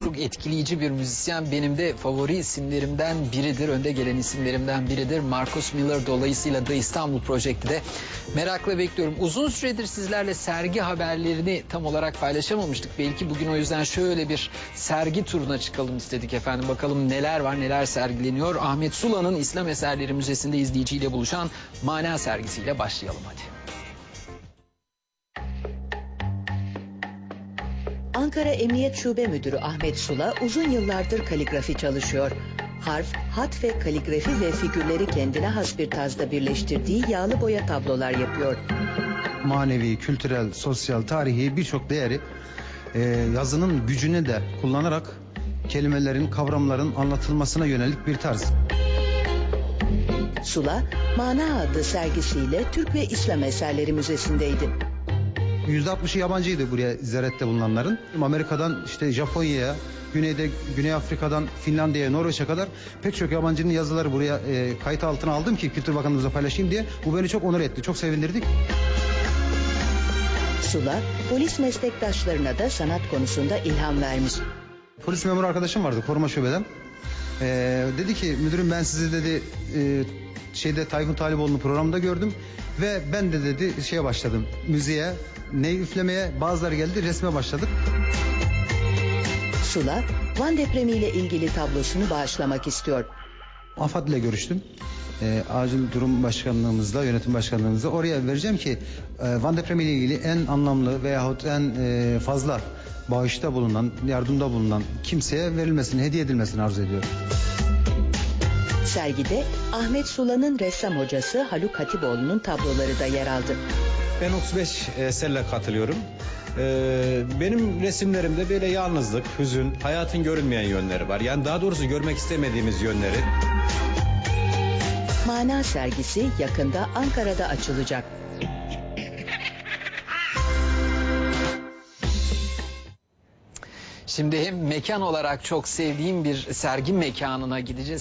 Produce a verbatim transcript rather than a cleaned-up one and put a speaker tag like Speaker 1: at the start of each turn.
Speaker 1: Çok etkileyici bir müzisyen, benim de favori isimlerimden biridir, önde gelen isimlerimden biridir. Marcus Miller, dolayısıyla da İstanbul Project'i de merakla bekliyorum. Uzun süredir sizlerle sergi haberlerini tam olarak paylaşamamıştık. Belki bugün o yüzden şöyle bir sergi turuna çıkalım istedik efendim. Bakalım neler var, neler sergileniyor. Ahmet Sula'nın İslam Eserleri Müzesi'nde izleyiciyle buluşan Mana sergisiyle başlayalım hadi.
Speaker 2: Ankara Emniyet Şube Müdürü Ahmet Sula uzun yıllardır kaligrafi çalışıyor. Harf, hat ve kaligrafi ve figürleri kendine has bir tarzda birleştirdiği yağlı boya tablolar yapıyor.
Speaker 3: Manevi, kültürel, sosyal, tarihi birçok değeri e, yazının gücünü de kullanarak kelimelerin, kavramların anlatılmasına yönelik bir tarz.
Speaker 2: Sula, Mana adlı sergisiyle Türk ve İslam Eserleri Müzesi'ndeydi.
Speaker 3: yüzde altmışı yabancıydı buraya ziyarette bulunanların. Amerika'dan işte Japonya'ya, Güney'de Güney Afrika'dan Finlandiya'ya, Norveç'e kadar pek çok yabancının yazıları buraya e, kayıt altına aldım ki Kültür Bakanlığımıza paylaşayım diye. Bu beni çok onur etti, çok sevindirdik.
Speaker 2: Sula, polis meslektaşlarına da sanat konusunda ilham vermiş.
Speaker 3: Polis memuru arkadaşım vardı koruma şubeden. Ee, dedi ki müdürüm ben sizi dedi e, şeyde Tayfun Taliboğlu'nun programında gördüm ve ben de dedi şeye başladım, müziğe, ney üflemeye, bazıları geldi resme başladık.
Speaker 2: Sula, Van depremiyle ilgili tablosunu bağışlamak istiyor.
Speaker 3: AFAD ile görüştüm. E, acil durum başkanlığımızla, yönetim başkanlığımızla oraya vereceğim ki e, Van depremiyle ilgili en anlamlı veyahut en e, fazla bağışta bulunan, yardımda bulunan kimseye verilmesini, hediye edilmesini arzu ediyorum.
Speaker 2: Sergide Ahmet Sula'nın ressam hocası Haluk Hatipoğlu'nun tabloları da yer aldı.
Speaker 4: Ben otuz beş eserle katılıyorum. Ee, benim resimlerimde böyle yalnızlık, hüzün, hayatın görünmeyen yönleri var. Yani daha doğrusu görmek istemediğimiz yönleri.
Speaker 2: Mana sergisi yakında Ankara'da açılacak.
Speaker 1: Şimdi hem mekan olarak çok sevdiğim bir sergi mekanına gideceğiz.